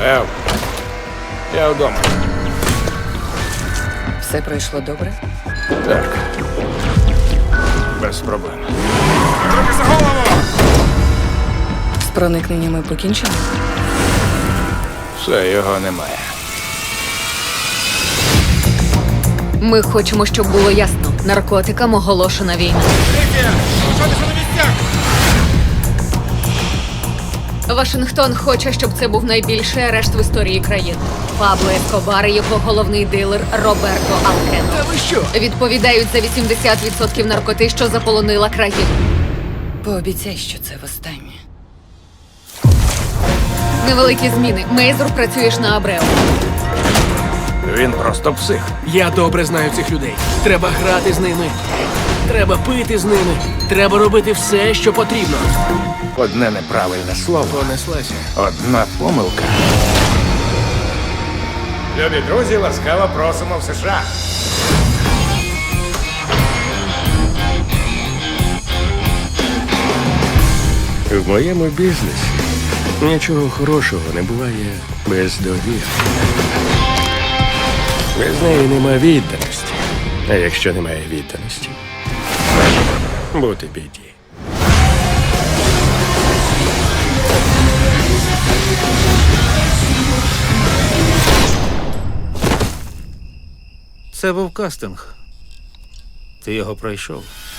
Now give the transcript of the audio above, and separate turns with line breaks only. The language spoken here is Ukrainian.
Ев, я вдома.
Все пройшло добре?
Так. Без проблем. Руки за голову!
З проникненнями покінчено?
Все, його немає.
Ми хочемо, щоб було ясно. Наркотикам оголошена війна. Вашингтон хоче, щоб це був найбільший арешт в історії країни. Пабло Ескобар і його головний дилер Роберто Алкено.
Та ви що?
Відповідають за 80% наркоти, що заполонила країну.
Пообіцяй, що це востаннє.
Невеликі зміни. Мейзур, працюєш на Абрео.
Він просто псих.
Я добре знаю цих людей. Треба грати з ними. Треба пити з ними. Треба робити все, що потрібно.
Одне неправильне слово,
Понеслася.
одна помилка. Любі друзі, ласкаво просимо в США.
В моєму бізнесі нічого хорошого не буває без довіри. Без неї нема відданості. А якщо немає відданості, бути біді.
Це був кастинг. Ти його пройшов.